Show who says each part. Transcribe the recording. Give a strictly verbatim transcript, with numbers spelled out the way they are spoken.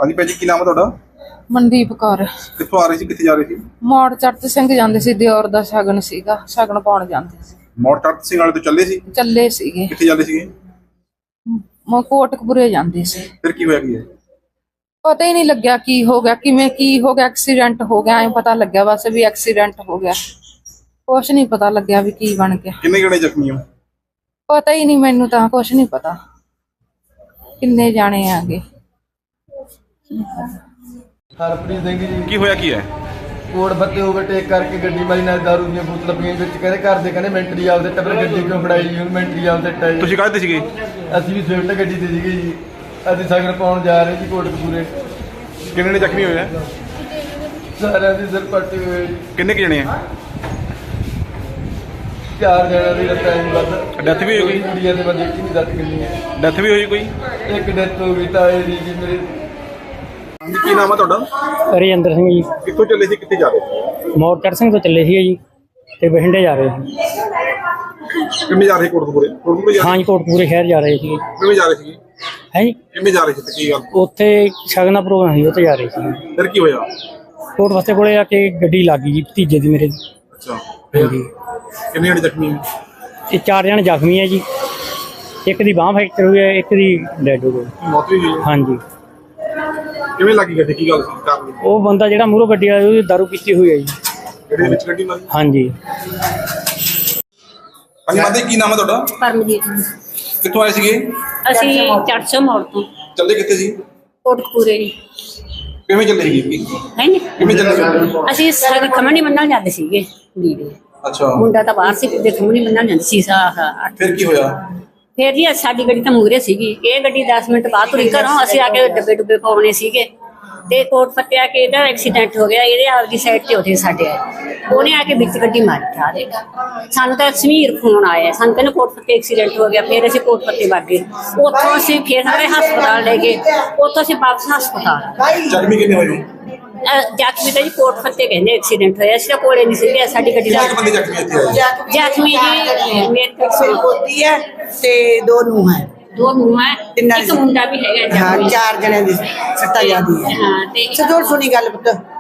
Speaker 1: हाँ जी भाजी की नाम है ਤੁਹਾਡਾ?
Speaker 2: ਮਨਦੀਪ ਕੌਰ।
Speaker 1: ਕਿੱਥੋਂ ਆ ਰਹੀ ਸੀ, ਕਿੱਥੇ ਜਾ ਰਹੀ ਸੀ?
Speaker 2: ਮੋੜ ਚੜਤ ਸਿੰਘ ਜਾਂਦੇ ਸੀ, ਦਿਓਰ ਦਾ ਸ਼ਗਨ ਸੀਗਾ, ਸ਼ਗਨ ਪਾਉਣ ਜਾਂਦੇ ਸੀ।
Speaker 1: ਮੋੜ ਚੜਤ ਸਿੰਘ ਵਾਲੇ ਤੋਂ ਚੱਲੇ ਸੀ?
Speaker 2: ਚੱਲੇ ਸੀਗੇ।
Speaker 1: ਕਿੱਥੇ ਜਾਂਦੇ ਸੀਗੇ?
Speaker 2: ਮ ਕੋਟਕਪੂਰੇ ਜਾਂਦੇ ਸੀ।
Speaker 1: ਫਿਰ ਕੀ ਹੋਇਆ ਕੀ ਹੈ?
Speaker 2: ਪਤਾ ਹੀ ਨਹੀਂ ਲੱਗਿਆ ਕੀ ਹੋ ਗਿਆ, ਕਿਵੇਂ ਕੀ ਹੋ ਗਿਆ, ਐਕਸੀਡੈਂਟ ਹੋ ਗਿਆ, ਐ ਪਤਾ ਲੱਗਿਆ ਬਸ ਵੀ ਐਕਸੀਡੈਂਟ ਹੋ ਗਿਆ। ਕੁਛ ਨਹੀਂ ਪਤਾ ਲੱਗਿਆ ਵੀ ਕੀ ਬਣ ਗਿਆ।
Speaker 1: ਕਿੰਨੇ ਜਣੇ ਜ਼ਖਮੀ ਹੋ?
Speaker 2: ਪਤਾ ਹੀ ਨਹੀਂ ਮੈਨੂੰ ਤਾਂ, ਕੁਛ ਨਹੀਂ ਪਤਾ ਕਿੰਨੇ ਜਾਣੇ ਆਗੇ।
Speaker 3: ਹਰਪ੍ਰੀਤ ਸਿੰਘ ਜੀ।
Speaker 1: ਕੀ ਹੋਇਆ ਕੀ ਹੈ?
Speaker 3: ਕੋਟ ਬੱਤੇ ਓਵਰਟੇਕ ਕਰਕੇ ਗੱਡੀ ਮਾਰੀ ਨਾਲ ਦਾਰੂ ਦੀਆਂ ਬੋਤਲਾਂ ਪੀਣ ਵਿੱਚ ਕਹਿੰਦੇ ਘਰ ਦੇ ਕਹਿੰਦੇ ਮੈਂਟਰੀ ਆਪਦੇ ਟੱਬਰ ਗੱਡੀ ਕਿਉਂ ਫੜਾਈ ਜੀ, ਹੁਣ ਮੈਂਟਰੀ ਆਪਦੇ ਟਾਈ।
Speaker 1: ਤੁਸੀਂ ਕਾਹਦੇ ਸੀਗੇ?
Speaker 3: ਅਸੀਂ ਵੀ ਸਵਿਫਟ ਗੱਡੀ ਤੇ ਸੀਗੇ ਜੀ। ਅਸੀਂ ਸ਼ਗਨ ਪਾਉਣ ਜਾ ਰਹੇ ਸੀ ਕੋਟਕਪੂਰੇ।
Speaker 1: ਕਿੰਨੇ ਨੇ ਜ਼ਖਮੀ ਹੋਏ ਆ?
Speaker 3: ਸਾਰਿਆਂ ਦੀ ਸਿਰ ਪੱਟੇ ਹੋਏ ਜੀ।
Speaker 1: ਕਿੰਨੇ ਕੁ ਜਣੇ ਆ?
Speaker 3: ਚਾਰ ਜਣਿਆਂ ਦੀ ਟਾਈਮ ਵੱਧ।
Speaker 1: ਡੈਥ ਵੀ ਹੋਈ?
Speaker 3: ਕੁੜੀਆਂ ਦੇ ਬੰਦੇ ਕੀ ਨਹੀਂ ਦੱਸ ਕਿੰਨੀ ਹੈ।
Speaker 1: ਡੈਥ ਵੀ ਹੋਈ ਕੋਈ?
Speaker 3: ਇੱਕ ਡੈਥ ਹੋ ਗਈ ਤਾਂ ਇਹ ਜੀ ਮੇਰੇ।
Speaker 1: ਕੀ ਨਾਮ ਹੈ ਤੁਹਾਡਾ?
Speaker 4: ਰਜਿੰਦਰ ਸਿੰਘ ਜੀ।
Speaker 1: ਕਿੱਥੋਂ ਚੱਲੇ ਸੀ, ਕਿੱਥੇ ਜਾ ਰਹੇ ਸੀ?
Speaker 4: ਮੋੜ ਚੜ੍ਹ ਸਿੰਘ ਤੋਂ ਚੱਲੇ ਸੀਗੇ ਜੀ ਤੇ ਬਠਿੰਡੇ ਜਾ ਰਹੇ ਸੀ।
Speaker 1: ਕਿਵੇਂ ਜਾ ਰਹੇ ਕੋਟਕਪੂਰੇ? ਕੋਟਕਪੂਰੇ ਜਾ
Speaker 4: ਹਾਂ ਜੀ, ਕੋਟਕਪੂਰੇ ਸ਼ਹਿਰ ਜਾ ਰਹੇ ਸੀਗੇ।
Speaker 1: ਕਿਵੇਂ ਜਾ ਰਹੇ ਸੀ?
Speaker 4: ਹੈ ਜੀ,
Speaker 1: ਕਿਵੇਂ ਜਾ ਰਹੇ ਸੀ ਤੇ ਕੀ ਗੱਲ?
Speaker 4: ਉੱਥੇ ਸ਼ਗਨ ਦਾ ਪ੍ਰੋਗਰਾਮ ਸੀ, ਉੱਥੇ ਜਾ ਰਹੇ ਸੀ।
Speaker 1: ਫਿਰ ਕੀ ਹੋਇਆ?
Speaker 4: ਕੋਟ ਵਸਤੇ ਕੋਲੇ ਆ ਕੇ ਗੱਡੀ ਲੱਗ ਗਈ ਜੀ ਭਤੀਜੇ ਦੀ ਮੇਰੇ ਦੀ।
Speaker 1: ਅੱਛਾ,
Speaker 4: ਹਾਂਜੀ।
Speaker 1: ਕਿੰਨੇ ਜਣੇ ਜ਼ਖਮੀ ਹੋਏ?
Speaker 4: ਇਹ ਚਾਰ ਜਣੇ ਜ਼ਖਮੀ ਹੈ ਜੀ। ਇੱਕ ਦੀ ਬਾਂਹ ਫ੍ਰੈਕਚਰ ਹੋਈ ਹੈ, ਇੱਕ ਦੀ ਡੈਡ ਹੋ ਗਈ।
Speaker 1: ਮੌਤ ਵੀ ਹੋਈ?
Speaker 4: ਹਾਂਜੀ।
Speaker 1: ਕਿਵੇਂ ਲੱਗੀ ਗੱਡੀ, ਕੀ ਗੱਲ ਸੀ ਕਾਰਨ?
Speaker 4: ਉਹ ਬੰਦਾ ਜਿਹੜਾ ਮੂਹਰੋਂ ਗੱਡੀ ਵਾਲਾ ਉਹਦੀ ਦਾਰੂ ਪੀਤੀ ਹੋਈ ਹੈ ਜੀ।
Speaker 1: ਜਿਹੜੇ ਵਿੱਚ ਗੱਡੀ ਮਾਰੀ?
Speaker 4: ਹਾਂਜੀ।
Speaker 1: ਹਾਂਜੀ ਮਾਤਾ ਜੀ, ਕੀ ਨਾਮ ਹੈ ਤੁਹਾਡਾ?
Speaker 5: ਪਰਮਜੀਤ।
Speaker 1: ਕਿੱਥੋਂ ਆਏ ਸੀਗੇ?
Speaker 5: ਅਸੀਂ ਚੜ੍ਹਸੋ ਮੋੜ ਤੋਂ
Speaker 1: ਚੱਲੇ ਕਿੱਥੇ ਸੀ?
Speaker 5: ਕੋਟਕਪੂਰੇ ਜੀ।
Speaker 1: ਕਿਵੇਂ ਚੱਲੇ ਸੀਗੇ?
Speaker 5: ਹੈ ਨੀ
Speaker 1: ਕਿਵੇਂ ਚੱਲੇ ਸੀ?
Speaker 5: ਅਸੀਂ ਸਾਰੇ ਖਮਣੀ ਮੰਨਣ ਜਾਂਦੇ ਸੀਗੇ ਕੁੜੀ ਦੇ।
Speaker 1: ਅੱਛਾ,
Speaker 5: ਮੁੰਡਾ ਤਾਂ ਬਾਹਰ ਸੀ ਤੇ ਖਮਣੀ ਮੰਨਣ ਜਾਂਦੇ ਸੀ। ਆਹ
Speaker 1: ਫਿਰ ਕੀ ਹੋਇਆ?
Speaker 5: ਫਿਰ ਜੀ ਸਾਡੀ ਗੱਡੀ ਤਾਂ ਮੂਹਰੇ ਸੀਗੀ, ਇਹ ਗੱਡੀ ਦਸ ਮਿੰਟ ਬਾਅਦ ਤੁਰੀ ਘਰੋਂ। ਅਸੀਂ ਆ ਕੇ ਡੱਬੇ ਡੁੱਬੇ ਪਾਉਣੇ ਸੀਗੇ ਤੇ ਕੋਟ ਫੱਟਿਆ ਕਿ ਇਹਦਾ ਐਕਸੀਡੈਂਟ ਹੋ ਗਿਆ। ਇਹਦੇ ਆਪਦੀ ਸਾਈਡ ਤੇ ਉੱਥੇ ਸਾਡੇ ਆਏ, ਉਹਨੇ ਆ ਕੇ ਵਿੱਚ ਗੱਡੀ ਮਾਰੀ ਠਾ ਦੇ। ਸਾਨੂੰ ਤਾਂ ਸਮੀਰ ਫੋਨ ਆਇਆ, ਸਾਨੂੰ ਕਹਿੰਦੇ ਕੋਟ ਫੱਤੇ ਐਕਸੀਡੈਂਟ ਹੋ ਗਿਆ। ਫਿਰ ਅਸੀਂ ਕੋਟ ਫੱਤੇ ਵਗ ਗਏ, ਉੱਥੋਂ ਅਸੀਂ ਫਿਰ ਸਾਰੇ ਹਸਪਤਾਲ ਲੈ ਗਏ, ਉੱਥੋਂ ਅਸੀਂ ਵਾਪਸ ਹਸਪਤਾਲ।
Speaker 1: ਜ਼ਖਮੀ ਕਿੰਨੇ ਹੋਏ?
Speaker 5: ਜ਼ਖਮੀ ਤਾਂ ਜੀ ਕੋਟ ਫੱਤੇ ਕਹਿੰਦੇ ਐਕਸੀਡੈਂਟ ਹੋਇਆ। ਅਸੀਂ ਤਾਂ ਕੋਲੇ ਨਹੀਂ ਸੀਗੇ, ਸਾਡੀ ਗੱਡੀ ਦਾ।
Speaker 1: ਕਿੰਨੇ ਬੰਦੇ ਜ਼ਖਮੀ ਇੱਥੇ ਆਏ?
Speaker 5: ਜ਼ਖਮੀ ਜੀ ਮੇਰੇ
Speaker 6: ਸਿਰ ਪੋਤੀ ਹੈ ਤੇ ਦੋ ਨੂੰਹ ਹੈ।
Speaker 5: ਦੋ ਨੂੰਹ ਹੈ, ਇੱਕ ਮੁੰਡਾ ਵੀ ਹੈਗਾ।
Speaker 6: ਹਾਂ, ਚਾਰ ਜਣਿਆਂ ਦੀ ਸੱਤਾ ਜਾਂਦੀ ਹੈ।
Speaker 5: ਹਾਂ ਤੇ
Speaker 6: ਸਜੋੜ ਸੁਣੀ ਗੱਲ ਪੁੱਤ।